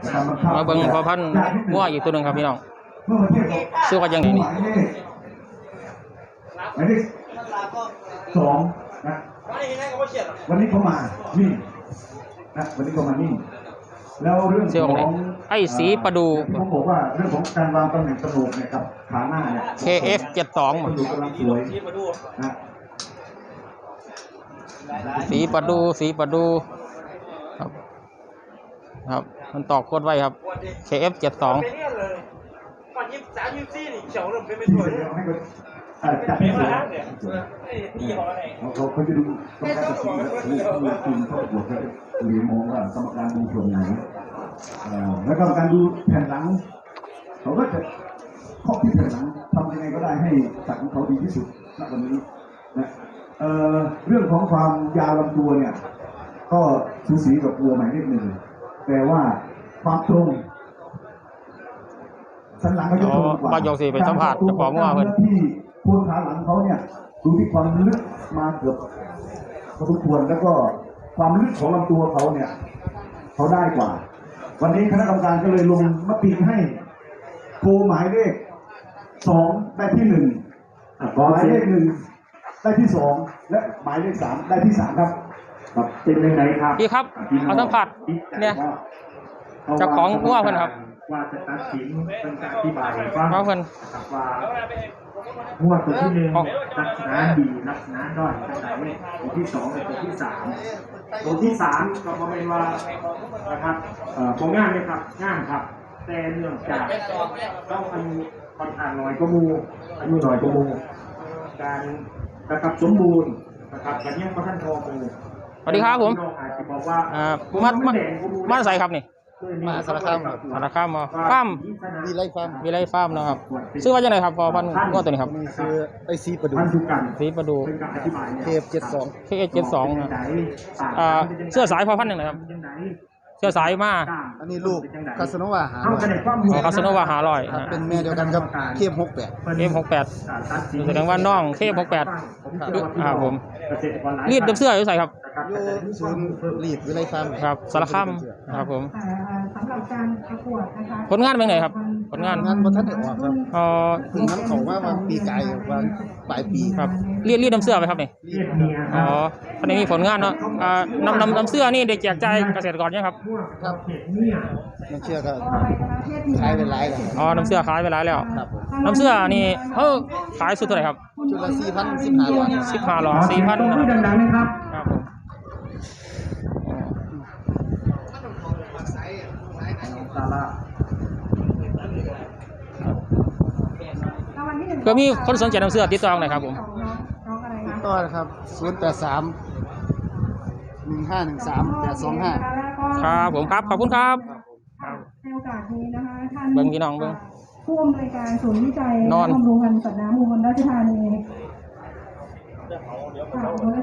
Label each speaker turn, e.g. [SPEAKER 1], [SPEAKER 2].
[SPEAKER 1] มาเบิ่งพอพันงัวอีกตัวหนึ่งครับพี่น้องชื่อว่ายังไงนี่
[SPEAKER 2] หมายเลข2นะวันนี้เขามานี่นะวันนี้เขามานี่แล้วเรื่องของ
[SPEAKER 1] ไอ้สีประดู
[SPEAKER 2] ผมบอกว่าเรื่องของการวางตำแหน่งกระโหลกเนี่ยกับขาหน้าเนี่ย
[SPEAKER 1] KF 72
[SPEAKER 2] มันดูกำลังสวยนะ
[SPEAKER 1] สีประดูครับมันตอกโคตรไว้ครับ KF 72
[SPEAKER 2] จับไม่ได้เขาจะดูกรรมการตัดสินแล้วทีมเขาบวกกันหรือมองว่ากรรมการดูส่วนไหนแล้วกรรมการดูแผ่นหลังเขาก็จะข้อที่แผ่นหลังทำยังไงก็ได้ให้สัตว์ของเขาดีที่สุดณวันนี้นะเรื่องของความยาวลำตัวเนี่ยก็สูสีกับวัวหมายเลข 1แต่ว่าความตรงสันหลังก็จะตรงกว่า
[SPEAKER 1] บ้านยงสีเป็นสัมผัสจะฟ้องว่าเพื่อน
[SPEAKER 2] ที่โคนขาหลังเขาเนี่ยดูที่ความลึกมาเกือบพอสมควรแล้วก็ความลึกของลำตัวเขาเนี่ยเขาได้กว่าวันนี้คณะกรรมการก็เลยลงมติให้โคหมายเลข2ได้ที่1หมายเลข1ได้ที่2และหมายเลข3ได้ที่3ครับเป็นยังไงครับ
[SPEAKER 1] พี่ครับเอาสัมผัสเนี่ยจะของงัวเพื่อนครับ
[SPEAKER 2] ว่าจะตัดสินเป็นการอธิบายว่า
[SPEAKER 1] เพื่อน
[SPEAKER 2] ว่างวดตัวที่1ลักษณะดีลักษณะด้อยลักษณะนี้ตัวที่2และตัวที่3ก็ประมาณว่านะครับผลงานเนี่ยครับงานครับแต่เนื่องจากต้องอายุค่อนข้างน้อยกว่ามูอายุน้อยกว่ามูการนะครับสมบูรณ์นะครับการยังประทันทองมู
[SPEAKER 1] สวัสดีครับผมมาใส่ครับนี่
[SPEAKER 3] มาสารคามครับ
[SPEAKER 1] สารคามมาฟาร์ม
[SPEAKER 3] มีไรฟาร์ม
[SPEAKER 1] นะครับชื่อว่ายังไงครับพอพันงัวตัวนี้ครับ
[SPEAKER 3] คือไอซีประดู
[SPEAKER 1] KF72นะเสื้อสายพอพันหนึ่งนะครับเสื้อสายมา
[SPEAKER 3] อันนี้ลูกคาสโนวา
[SPEAKER 1] คาสโนวา500
[SPEAKER 3] เป็นแม่เดียวกันครับ
[SPEAKER 1] KF68แสดงว่าน้องKF68ครับผมรีดเสื้ออยู่ใส่ครับ
[SPEAKER 3] อยู่ศูนย์รีดวิไลฟาร์ม
[SPEAKER 1] ครับสารคามครับผม
[SPEAKER 4] สำหรับการประกวดนะคะ
[SPEAKER 1] ผลงานเป็นไงครับผลงาน
[SPEAKER 3] บนท่านเด็กครับถึงน้ำเขาว่าปีไก่วันปลายปี
[SPEAKER 1] ครับรีดน้ำเสื้อไปครับนี่ตอนนี้มีผลงานเนาะน้ำเสื้อนี่ได้แจกจ่ายเกษตรกรยังครับ
[SPEAKER 3] ครับน้ำเสื้อก็ขายไปหลายแล้ว
[SPEAKER 1] น้ำเสื้อขายไปหลายแล้วน้ำเสื้อนี่ขายสุดเท่าไหร่ครับ
[SPEAKER 3] ชุดละ
[SPEAKER 1] 4,000 4,000นะครับครับผมก็มีคนสนใจน้ำเสื้อติดต่อหน่อยครับผม
[SPEAKER 3] ต่อครับ083-1513-825
[SPEAKER 1] ครับผมครับขอบคุณครับ
[SPEAKER 4] ในโอกาสนี้นะคะท่าน
[SPEAKER 1] เบิ้งพี่น้องเบิ้ง
[SPEAKER 4] ผู้อำนวยการศูนย์วิจัยและบำรุงพันธุ์สัตว์น้ำอุบลราชธานี